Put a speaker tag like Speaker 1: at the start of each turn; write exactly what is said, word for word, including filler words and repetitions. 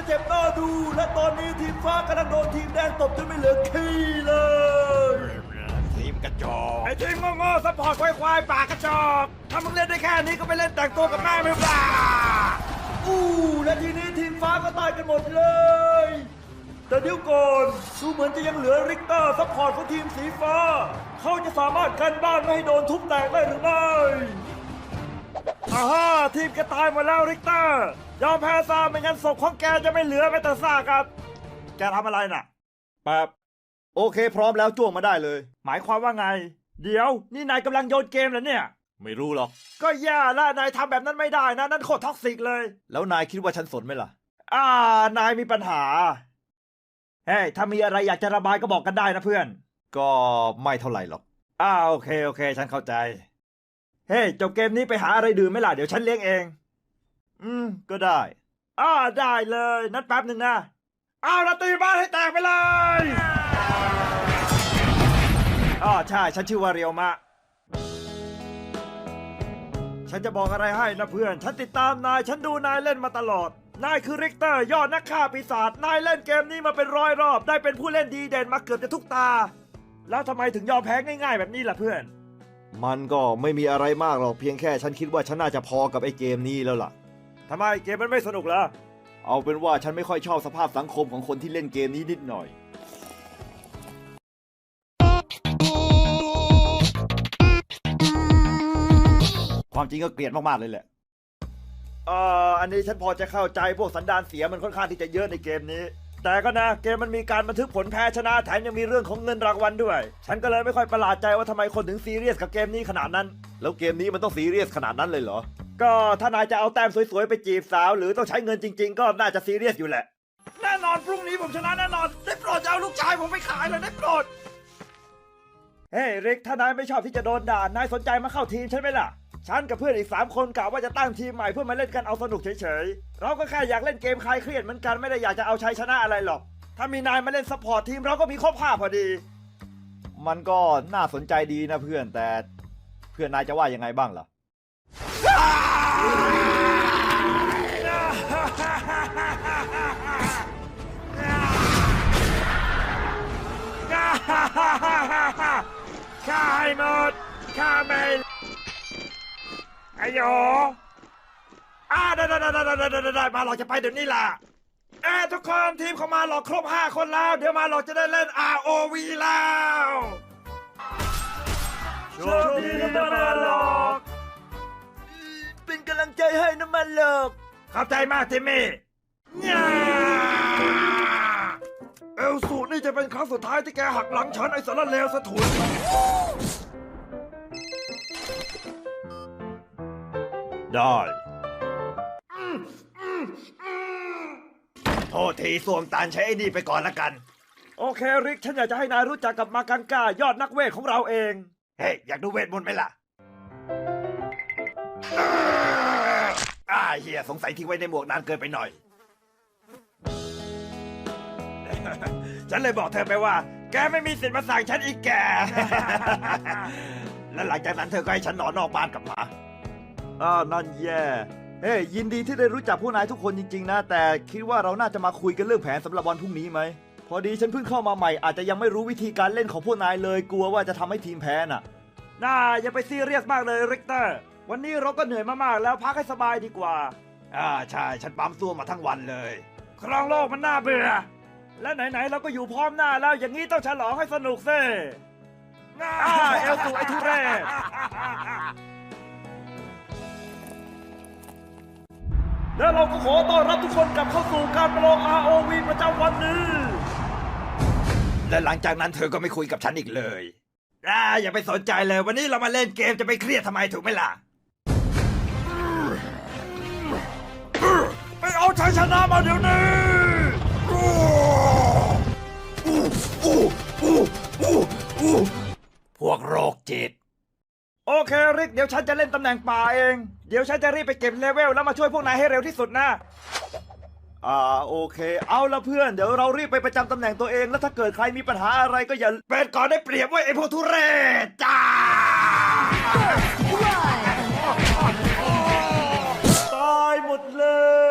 Speaker 1: จะเจ็บหน้าดูและตอนนี้ทีมฟ้ากำลังโดนทีมแดงตบจนไม่เหลือขี้เลย
Speaker 2: ทีมกระจอก
Speaker 1: ไอ้ทีมโง่ๆซัพพอร์ตควายๆปากกระจอกถ้ามึงเล่นได้แค่นี้ก็ไปเล่นแต่งตัวกับแม่ไม่ปล่าอู้และทีนี้ทีมฟ้าก็ตายกันหมดเลยแต่เดี๋ยวก่อนดูเหมือนจะยังเหลือริกเตอร์ซัพพอร์ตของทีมสีฟ้าเขาจะสามารถกันบ้านไม่ให้โดนทุบแตกได้หรือไม่อ่าฮะทีมแกตายหมดแล้วริกเตอร์ยอมแพ้ซะไม่งั้นศพของแกจะไม่เหลือแม้แต่ซากครับแกทำอะไรน่ะแบบโอเคพร้อมแล้วจ้วงมาได้เลยหมายความว่าไงเดี๋ยวนี่นายกำลังโยนเกมเหรอเนี่ย
Speaker 2: ไม่รู้หรอก
Speaker 1: ก็แย่ละนายทำแบบนั้นไม่ได้นะนั่นโคตรท็อกซิกเลย
Speaker 2: แล้วนายคิดว่าฉันสนไหมล่ะ
Speaker 1: อ่านายมีปัญหาเฮ้ยถ้ามีอะไรอยากจะระบายก็บอกกันได้นะเพื่อน
Speaker 2: ก็ไม่เท่าไหร่หรอก
Speaker 1: อ่าโอเคโอเคฉันเข้าใจเฮ้ยจบเกมนี้ไปหาอะไรดื่มไหมล่ะเดี๋ยวฉันเลี้ยงเอง
Speaker 2: อืมก็ได้
Speaker 1: อ่าได้เลยนัดแป๊บหนึ่งนะเอาละตีบ้านให้แตกไปเลยอ๋อใช่ฉันชื่อว่าเรียวมะฉันจะบอกอะไรให้นะเพื่อนฉันติดตามนายฉันดูนายเล่นมาตลอดนายคือริกเตอร์ยอดนักฆ่าปีศาจนายเล่นเกมนี้มาเป็นร้อยรอบได้เป็นผู้เล่นดีเด่นมาเกือบจะทุกตาแล้วทำไมถึงยอมแพ้ง่ายๆแบบนี้ล่ะเพื่อน
Speaker 2: มันก็ไม่มีอะไรมากหรอกเพียงแค่ฉันคิดว่าฉันน่าจะพอกับไอ้เกมนี้แล้วล่ะ
Speaker 1: ทำไมเกมมันไม่สนุกเหรอ
Speaker 2: เอาเป็นว่าฉันไม่ค่อยชอบสภาพสังคมของคนที่เล่นเกมนี้นิดหน่อยความจริงก็เกลียดมากๆเลยแหละ
Speaker 1: เอ่ออันนี้ฉันพอจะเข้าใจพวกสันดานเสียมันค่อนข้างที่จะเยอะในเกมนี้แต่ก็นะเกมมันมีการบันทึกผลแพ้ชนะแถมยังมีเรื่องของเงินรางวัลด้วยฉันก็เลยไม่ค่อยประหลาดใจว่าทำไมคนถึงซีเรียสกับเกมนี้ขนาดนั้น
Speaker 2: แล้วเกมนี้มันต้องซีเรียสขนาดนั้นเลยเหรอ
Speaker 1: ก็ถ้านายจะเอาแต้มสวยๆไปจีบสาวหรือต้องใช้เงินจริงๆก็น่าจะซีเรียสอยู่แหละแน่นอนพรุ่งนี้ผมชนะแน่นอนได้โปรดจะเอาลูกชายผมไปขายเลยได้โปรดเฮ้ยริกถ้านายไม่ชอบที่จะโดนด่านายสนใจมาเข้าทีมใช่ไหมล่ะฉันกับเพื่อนอีกสามคนกะว่าจะตั้งทีมใหม่เพื่อมาเล่นกันเอาสนุกเฉยๆเราก็แค่อยากเล่นเกมคลายเครียดเหมือนกันไม่ได้อยากจะเอาชัยชนะอะไรหรอกถ้ามีนายมาเล่นซัพพอร์ตทีมเราก็มีครบห้าพอดี
Speaker 2: มันก็น่าสนใจดีนะเพื่อนแต่เพื่อนนายจะว่ายังไงบ้างล่ะ
Speaker 1: ข้าให้หมดข้าไม่ไอ้โยอ่าได้ได้ได้ได้ได้ได้ได้มาหลอกจะไปเดี๋ยวนี้ล่ะเอ้ทุกคนทีมเขามาหลอกครบห้าคนแล้วเดี๋ยวมาหลอกจะได้เล่น อาร์ โอ วี แล้วโชคดีนะมาหลอกเป็นกำลังใจให้นะมาหลอกขอบใจมากทิมมี่เอลสูนี่จะเป็นครั้งสุดท้ายที่แกหักหลังฉันไอ้สารเลวสะถุนได้โทษทีสวมตานใช้ไอ้นี่ไปก่อนละกันโอเคริกฉันอยากจะให้นายรู้จักกับมากังกายอดนักเวทของเราเองเฮ้ยอยากดูเวทมนต์ไหมล่ะอ่าเฮียสงสัยทิ้งไว้ในหมวกนานเกินไปหน่อยฉันเลยบอกเธอไปว่าแกไม่มีสิทธิ์มาสั่งฉันอีกแก และหลังจากนั้นเธอก็ให้ฉันนอนนอกบ้านกับหมาอ่านั่นแย่เฮ้ยยินดีที่ได้รู้จักพวกนายทุกคนจริงๆนะแต่คิดว่าเราน่าจะมาคุยกันเรื่องแผนสำหรับวันพรุ่งนี้ไหมพอดีฉันเพิ่งเข้ามาใหม่อาจจะยังไม่รู้วิธีการเล่นของพวกนายเลยกลัวว่าจะทำให้ทีมแพ้น่ะน่าอย่าไปซีเรียสมากเลยริกเตอร์วันนี้เราก็เหนื่อยมากๆแล้วพักให้สบายดีกว่าอ่าใช่ฉันปั๊มตัวมาทั้งวันเลยครองโลกมันน่าเบื่อและไหนๆเราก็อยู่พร้อมหน้าแล้วอย่างนี้ต้องฉลองให้สนุกซิอ่าเอลสูไอทุเรศและเราก็ขอต้อนรับทุกคนกลับเข้าสู่การประลอง อาร์ โอ วี ประจำวันนี้และหลังจากนั้นเธอก็ไม่คุยกับฉันอีกเลยอ่าอย่าไปสนใจเลยวันนี้เรามาเล่นเกมจะไปเครียดทำไมถูกไหมล่ะไปเอาชัยชนะมาเดี๋ยวนี้พวกโรคจิตโอเคริกเดี๋ยวฉันจะเล่นตำแหน่งป่าเองเดี๋ยวฉันจะรีบไปเก็บเลเวลแล้วมาช่วยพวกนายให้เร็วที่สุดนะอ่าโอเคเอาละเพื่อนเดี๋ยวเรารีบไปประจำตำแหน่งตัวเองแล้วถ้าเกิดใครมีปัญหาอะไรก็อย่าเป็นก่อนได้เปรียบไว้ไอ้พวกทุเรศจ้าตายหมดเลย